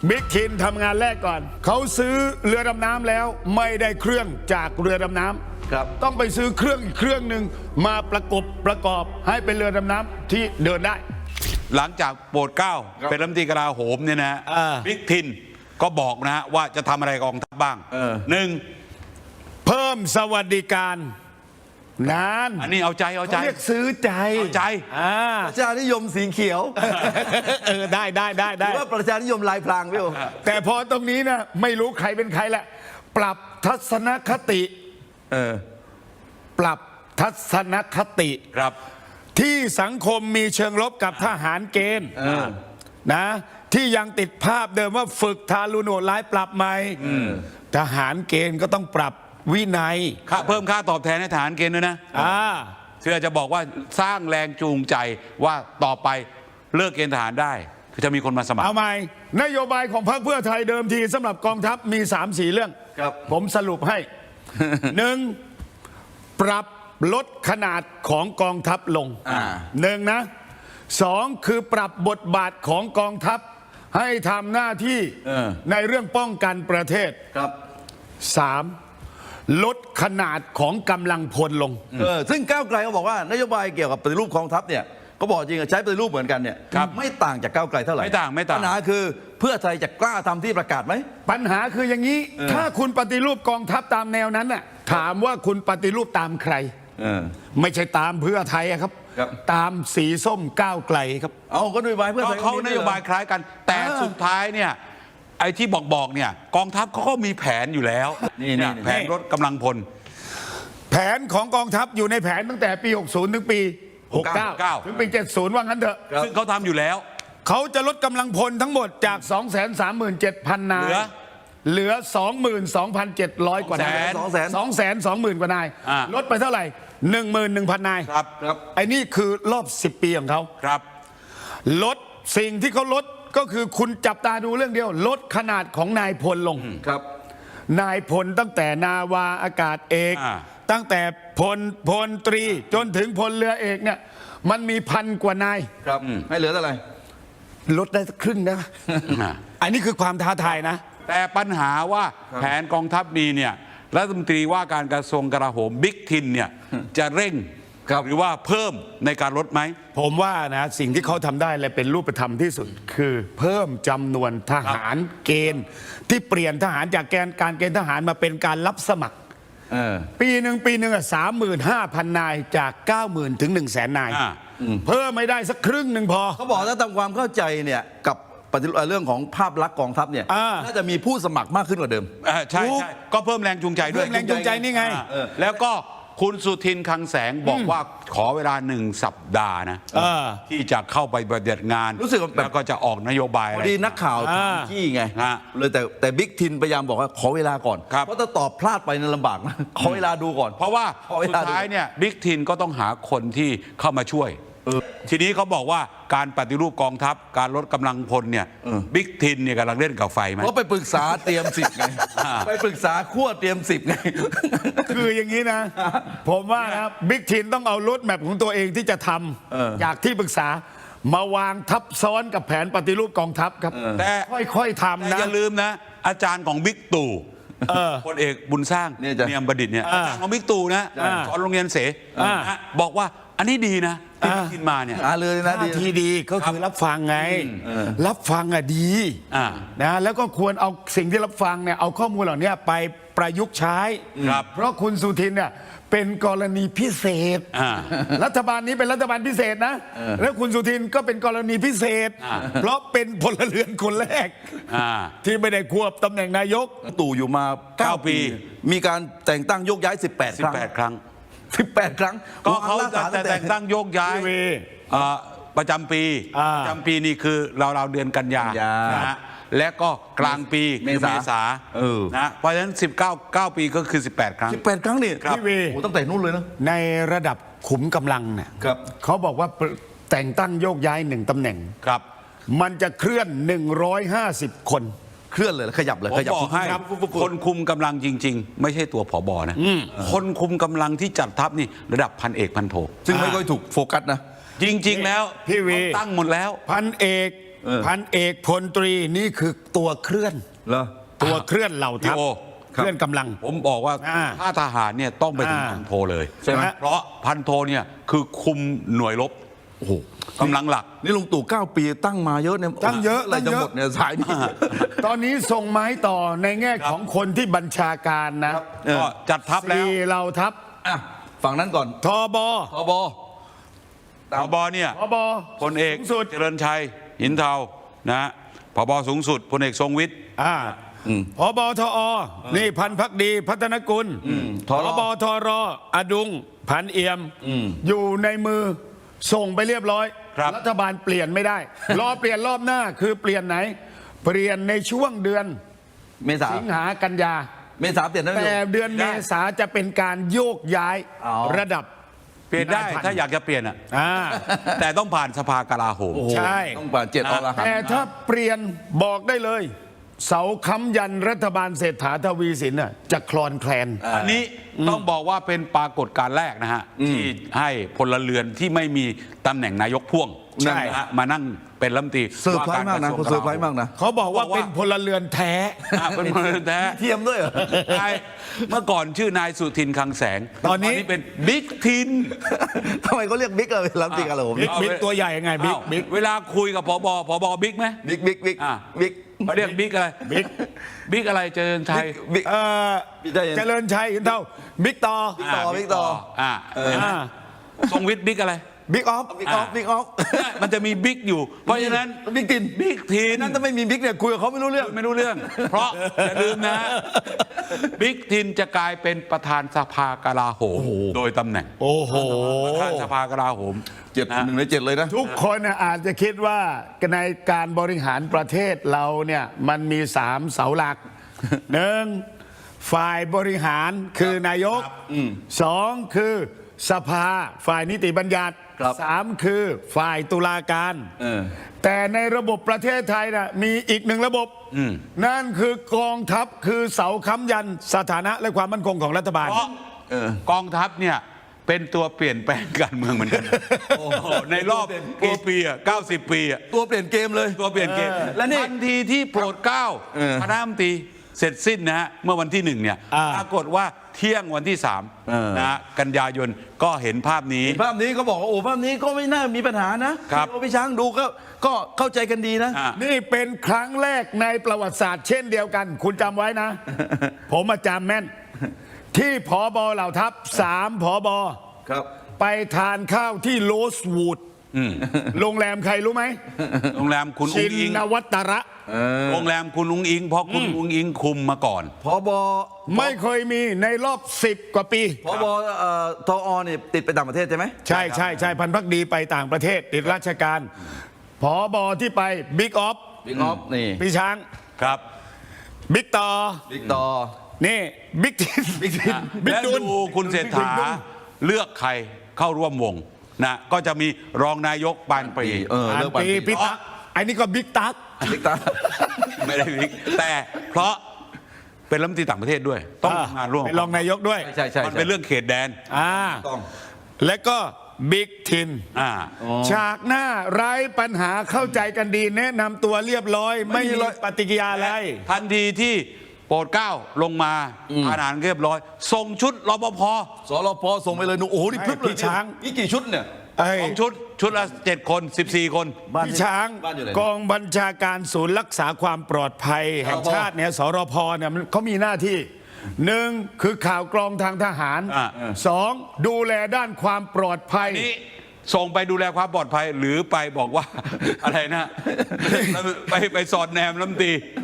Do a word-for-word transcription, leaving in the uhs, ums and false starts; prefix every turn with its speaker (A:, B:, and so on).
A: บิ๊กทินทำงานแรกก่อนเขาซื้อเรือดำน้ำแล้วไม่ได้เครื่องจากเรือดำน้ำ
B: ครับ
A: ต้องไปซื้อเครื่องอีกเครื่องหนึ่งมาประกบประกอบให้เป็นเรือดำน้ำที่เดินได้
C: หลังจากโปรดเกล้าเป็นรัฐมนตรีกลาโหมเนี่ยนะบิ๊กทินก็บอกนะฮะว่าจะทำอะไรกองทัพบ้างหนึ่ง
A: เพิ่มสวัสดิการงาน
C: อันนี้เอาใจเอาใจ
A: เรียกซื้อใจ
C: เอาใจ
B: ประชานิยมสีเขียว
A: เออได้ได้ได้ได้
B: ว่าประชานิยมลายพรางพี่โอ
A: แต่พอตรงนี้นะไม่รู้ใครเป็นใครแหละปรับทัศนคติ
B: เออ
A: ปรับทัศนคติ
C: ครับ
A: ที่สังคมมีเชิงลบกับทหารเกณฑ์นะที่ยังติดภาพเดิมว่าฝึกทารุณโหดร้ายปรับใหม่ทหารเกณฑ์ก็ต้องปรับวินัย
C: เพิ่มค่าตอบแทนให้ทหารเกณฑ์ด้วยนะเพื่อจะบอกว่าสร้างแรงจูงใจว่าต่อไปเลิกเกณฑ์ทหารได้คือจะมีคนมาสมัคร
A: เอาใหม่นโยบายของพรรคเพื่อไทยเดิมทีสำหรับกองทัพมีสามสี่เรื่องผมสรุปให้ หนึ่งปรับลดขนาดของกองทัพลงหนึ่งนะสองคือปรับบทบาทของกองทัพให้ทำหน้าที่ในเรื่องป้องกันประเทศ
B: ครับ
A: สามลดขนาดของกำลังพลลง
B: เออซึ่งก้าวไกลเขาบอกว่านโยบายเกี่ยวกับปฏิรูปกองทัพเนี่ยก็บอกจริงใช้ปฏิรูปเหมือนกันเนี่ยไม่ต่างจากก้าวไกลเท่าไหร่
C: ไม่ต่างไม่ต่าง
B: ปัญหาคือเพื่อไทยจะกล้าทำที่ประกาศไหม
A: ปัญหาคืออย่างนี้ถ้าคุณปฏิรูปกองทัพตามแนวนั้นน่ะถามว่าคุณปฏิรูปตามใครไม่ใช่ตามเพื่อไทยครับตามสีส้มก้าวไกลครับ
B: เอาก็นโยบายเพื่อไทย
C: เขานโยบายคล้ายกันแต่สุดท้ายเนี่ยไอ้ที่บอกบอกเนี่ยกองทัพเขาก็มีแผนอยู่แล้วนี่แผนลดกำลังพล
A: แผนของกองทัพอยู่ในแผนตั้งแต่ปีหกสิบถึงปีหกสิบเก้าถึงปีเจ็ดสิบว่างั้นเถอะ
C: ซึ่งเขาทำอยู่แล้ว
A: เขาจะลดกำลังพลทั้งหมดจาก สองแสนสามหมื่นเจ็ดพัน นายเหลือ สองหมื่นสองพันเจ็ดร้อย กว่านาย สองแสนสองหมื่น กว่านายลดไปเท่าไหร่ หนึ่งหมื่นหนึ่งพัน นาย
C: ครับครับ
A: ไอ้นี่คือรอบสิบปีของเขา
C: ครับ
A: ลดสิ่งที่เขาลดก็คือคุณจับตาดูเรื่องเดียวลดขนาดของนายพลลง
B: ครับ
A: นายพลตั้งแต่นาวาอากาศเอกตั้งแต่พลพลตรีจนถึงพลเรือเอกเนี่ยมันมีพันกว่านาย
B: ครับให้เหลือเท่าไหร่
A: ลดได้สักครึ่งนะอันนี้คือความท้าทายนะ
C: แต่ปัญหาว่าแผนกองทัพมีเนี่ยรัฐมนตรีว่าการกระทรวงกลาโหมบิ๊กทินเนี่ยจะเร่งหรือว่าเพิ่มในการลดไหม
A: ผมว่านะสิ่งที่เขาทำได้และเป็นรูปธรรมที่สุดคือเพิ่มจำนวนทหารเกณฑ์ที่เปลี่ยนทหารจากแกนการเกณฑ์ทหารมาเป็นการรับสมัครปีหนึ่งปีหนึ่งอ่ะสามหมื่นห้าพันนายจากเก้าหมื่นถึงหนึ่งแสนนายเพิ่มไม่ได้สักครึ่งหนึ่งพอ
B: เขาบอกถ้าทำความเข้าใจเนี่ยกับเรื่องของภาพลักษณ์กองทัพเนี่ยน่าจะมีผู้สมัครมากขึ้นกว่าเดิม
C: ใช่ใช่ก็เพิ่มแรงจูงใจด้วย
A: เพิ่มแรงจูงใจนี่ไง
C: แล้วก็คุณสุทินคลังแสงบอกว่าขอเวลาหนึ่งสัปดาห์นะที่จะเข้าไปปฏิบัติงาน
B: รู้สึก
C: แล้วก็จะออกนโยบายอะไร
B: ดีนักข่าวที่ไงเลยแต่แต่บิ๊กทินพยายามบอกว่าขอเวลาก่อนเพราะถ้าตอบพลาดไปนั้นลำบากนะขอเวลาดูก่อน
C: เพราะว่าสุดท้ายเนี่ยบิ๊กทินก็ต้องหาคนที่เข้ามาช่วยทีนี้เขาบอกว่าการปฏิรูปกองทัพการลดกำลังพลเนี่ยบิ๊กทินเนี่ยกำลังเล่นกับไฟไหม
B: เขาไปปรึกษาเตรียมสิบไงไปปรึกษาขั้วเตรียมสิบไง
A: คืออย่างนี้นะผมว่านะบิ๊กทินต้องเอารถแมพของตัวเองที่จะทำจากที่ปรึกษามาวางทับซ้อนกับแผนปฏิรูปกองทัพครับ
C: แต่
A: ค่อยๆทำนะ
C: อย่าลืมนะอาจารย์ของบิ๊กตู่พลเอกบุญสร้างเนียมประดิษฐ์เนี่ยของบิ๊กตู่นะสอนโรงเรียนเสบอกว่าอันนี้ดีนะที่ทินมาเนี่ย
B: เลยนะ
A: ที่ดีก็คือรับฟังไงรับฟังอ่ะดีนะแล้วก็ควรเอาสิ่งที่รับฟังเนี่ยเอาข้อมูลเหล่านี้ไปประยุกต์ใช้เพราะคุณสุทินเนี่ยเป็นกรณีพิเศษรัฐบาลนี้เป็นรัฐบาลพิเศษนะแล้วคุณสุทินก็เป็นกรณีพิเศษเพราะเป็นพลเรือนคนแรกที่ไม่ได้ควบตำแหน่งนายก
B: ตู่อยู่มาเก้าปีมีการแต่งตั้งโยกย้ายสิบแปดครั้งสิบแปดครั้ง
C: ก็เขาจะแต่งตั้งโยกย้ายประจำปีประจำปีนี่คือเราเราเดือนกันยานะฮะและก็กลางปีเมษานะเพราะฉะนั้นสิบเก้า เก้าปีก็คือสิบแปดครั้ง
B: สิบแปดครั้งนี่
A: พี่วี
B: โอ้ตั้งแต่นู้นเลยนะ
A: ในระดับขุมกำลังเนี่ยเขาบอกว่าแต่งตั้งโยกย้ายหนึ่งตำแหน่ง
C: ครับ
A: มันจะเคลื่อนหนึ่งร้อยห้าสิบคน
B: เคลื่อนเลยขยับเลย
C: ขยับให้คนคุมกำลังจริงๆไม่ใช่ตัวผบนะคนคุมกำลังที่จัดทัพนี่ระดับพันเอกพันโท
B: ซึ่งไม่ค่อยถูกโฟกัสนะ
C: จริงๆแล้ว
A: พี่วี
C: ตั้งหมดแล้ว
A: พันเอก
B: เออ
A: พันเอกพลตรีนี่คือตัวเคลื่อน
B: เหรอ
A: ตัวเคลื่อนเหล่าทัพ
C: พี่โอ
A: เคลื่อนกำลัง
C: ผมบอกว่า
A: อ่า
C: ถ้าทหารเนี่ยต้องไปถึง
A: อ่า
C: พันโทเลย
A: ใช่ไหม
C: เพราะพันโทเนี่ยคือคุมหน่วยรบ
B: โอ้โห
C: กำลังหลัก
B: นี่ลุงตู่เก้าปีตั้งมาเยอะเนี่ย
A: ตั้งเยอะ
B: อะไร
A: ตั้ง
B: จะ
A: เยอะ
B: หมดเนี่ยสายนี้
A: ตอนนี้ส่งไม้ต่อในแง่ของคนที่บัญชาการนะ
B: เออ
C: ก็จัดทัพแล้ว
A: สี่เหล่าทัพ
B: อ่ะฝั่งนั้นก่อน
A: ทบ
B: ทบ
C: ผบเนี่ย
A: ทบ
C: พลเอก
A: สูงสุด
C: เจริญชัยหินเทานะฮะผบสูงสุดพลเอกทรงวิทย์
A: อ่าพบทอ นี่พันพักดีพัฒนกุล
B: ท
A: พ
B: ร
A: บทรอดุง พันเอี่ยม อยู่ในมือส่งไปเรียบร้อย
C: ครับ
A: รัฐบาลเปลี่ยนไม่ได้ รอเปลี่ยนรอบหน้าคือเปลี่ยนไหน เปลี่ยนในช่วงเดือน
B: เมษา
A: สิงหากันยา
B: เมษาเปลี่ยนได้ไหม
A: แต่เดือนเมษาจะเป็นการโยกย้าย
B: อ๋อ
A: ระดับ
C: เปลี่ยนได้
A: นายพัน
C: ถ้าอยากจะเปลี่ยนอ่ะ
A: อ่า
C: แต่ต้องผ่านสภากลาโหม
B: โอ้โห
A: ใช่
B: ต้องผ่านเจ็ดอรหันต์
A: แต่ถ้าเปลี่ยนบอกได้เลย เสาค้ำยันรัฐบาลเศรษฐาทวีสินน่ะจะคลอนแคลน
C: อันนี้ต้องบอกว่าเป็นปรากฏการณ์แรกนะฮะ ที่ให้พลเรือนที่ไม่มีตำแหน่งนายกพ่วง
A: ใช่
C: นะฮะมานั่งเป็นรัฐมนตรี
B: เซอร์ไพรส์มากนะ
C: ว่
B: เขา
C: ร
B: เซอร์ไพรส์มากนะ
A: เขาบอกว่าเป็นพลเรือนแท้
C: อ่ะเป็นพลเรือนแท้
B: เทียมด้วยเหรอ
C: นายเมื่อก่อนชื่อนายสุทินคลังแสง
A: ตอนนี้
C: เป็นบิ๊กทิน
B: ทำไมเขาเรียกบิ๊กอะรับจริงอะไรผม
A: บิ๊กบิ๊กตัวใหญ่ไงบิ๊ก
C: อ้าว
A: บิ๊ก
C: เวลาคุยกับผบผบบิ๊กไหม
B: บิ๊กบิ๊กบิ๊ก
C: อ่ะ
B: บิ๊ก
C: เขาเรียกบิ๊กอะไร
A: บิ๊ก
C: บิ๊กอะไรเจริญชัย
B: บิ๊ก
A: เอ่อ
B: บิ๊กได้ยัง
A: เจริญชัยหินเท่าบิ๊กต่อ
B: บิ๊กต่อบิ๊กต่อ
C: อ่า
A: อ่า
C: ทรงวิทย์บิ๊กอะไร
A: บิ๊กออฟ
B: บิ๊กออฟบิ๊กออฟ
C: มันจะมีบิ๊กอยู่ เพราะฉะนั้น
B: บิ๊กติน
C: บิ๊กทีน
B: นั่นถ้าไม่มีบิ๊กเนี่ยคุยกับเขาไม่รู้เรื่อง
C: ไม่รู้เรื่อง เพราะอย่าลืมนะบิ๊กทินจะกลายเป็นประธานสภากลาโหมโดยตำแหน่ง
A: โอ้โห
C: ประธานสภากลาโหม
B: เจ็ด
C: นะ
B: หนึ่งในเจ็ดเลยนะ
A: ทุกคนน่ะอาจจะคิดว่าในการบริหารประเทศเราเนี่ยมันมีสามเสาหลัก หนึ่งฝ่ายบริหารคือนายกสองคือสภาฝ่ายนิติบัญญัติ
B: ครับ
A: สามคือฝ่ายตุลาการ
B: เออ
A: แต่ในระบบประเทศไทยนะมีอีกหนึ่งระบบ นั่นคือกองทัพคือเสาค้ำยันสถานะและความมั่นคงของรัฐบาล
C: เพราะกองทัพเนี่ยเป็นตัวเปลี่ยนแปลงการเมืองเหมือนกัน โอ้โหในรอบกี่ปีอ่ะเก้าสิบปีอ่ะ
B: ตัวเปลี่ยนเกมเลย
C: ตัวเปลี่ยนเกม
B: และนี่
C: ทันทีที่โปรดเกล้า
B: เออ
C: คณะรัฐมนตรีเสร็จสิ้นนะฮะเมื่อวันที่หนึ่งเนี่ย
A: อ่า
C: ปรากฏว่าเที่ยงวันที่สาม
B: เออ
C: นะฮะกันยายนก็เห็นภาพนี้
B: ภาพนี้เขาบอกว่าโอ้ภาพนี้ก็ไม่น่ามีปัญหานะครับ พี่โอพี่ช้างดูก็ก็เข้าใจกันดีนะ
C: อ่ะ
A: นี่เป็นครั้งแรกในประวัติศาสตร์เช่นเดียวกัน คุณจำไว้นะ ผมมาจำแม่น ที่ผอบอเหล่าทัพสามผอบอ
B: ครับ
A: ไปทานข้าวที่โรสวูดโรงแรมใครรู้ไหม
C: โรงแรมคุณ
A: ชิ
C: อุ้งอิง
A: นวัตระ
C: โรงแรมคุณอุ้งอิง เพราะคุณอุ้งอิงคุมมาก่อน
B: พบ
A: ไม่เคยมีในรอบสิบกว่าปี
B: พบเอ่อทอเนี่ยติดไปต่างประเทศใช่ไหม
A: ใช่ใช่ใช่พันพักดีไปต่างประเทศติดราชการผอบอที่ไปบิ๊กออฟ
B: บิ๊กออฟนี่
A: พี่ช้าง
C: ครับ
A: บิ๊กต่อ
B: บิ๊กต่อ
A: นี่บิ๊กทิน
B: บิ๊กทิน
A: บิ๊ก
C: และ
A: ดุล
C: ดูคุณเศรษฐาเลือกใครเข้าร่วมวงนะก็จะมีรองนายกปานปรี
B: เออ
A: อัน
B: เลือกปาน
A: ปี
B: ปรี
A: พี่ตั๊กไอ้นี่ก็บิ๊กตั๊ก
B: บิ๊กตา
C: ไม่ได้บิ๊กแต่เพราะเป็นรัฐมนตรีต่างประเทศด้วย ต้องทำงานร่วม
A: เป็นรองนายกด้วย
B: ใช่ใช่
C: มันเป็นเรื่องเขตแดน
A: อ่า
B: ต้อง
A: และก็บิ๊กทิน
C: อ่า
A: ฉากหน้าไร้ปัญหาเข้าใจกันดี แนะนำตัวเรียบร้อย ไม่มีปฏิกิริยาอะไร
C: ทันทีที่โปรดเกล้าลงมาอาหารเรียบร้อยส่งชุดรปภ
B: สรพส่งไปเลยหนูโอ้โหนี่พลึบเลย
A: พี่ช้าง
B: นี่กี่ชุดเนี่ย
A: ไอ้
C: สองชุดชุดละเจ็ดคนสิบสี่คน
B: บ้าน
A: พี่ช้าง
B: บ้านอยู่ไหน
A: กองบัญชาการศูนย์รักษาความปลอดภัย แห่งชาติเนี่ยสรพเนี่ยมันเขามีหน้าที่หนึ่งคือข่าวกรองทางทหาร
C: อ่า
A: สองดูแลด้านความปลอดภัย
C: นี้ส่งไปดูแลความปลอดภัยหรือไปบอกว่า อะไรนะ ไปไปสอดแนมรัฐมนตรี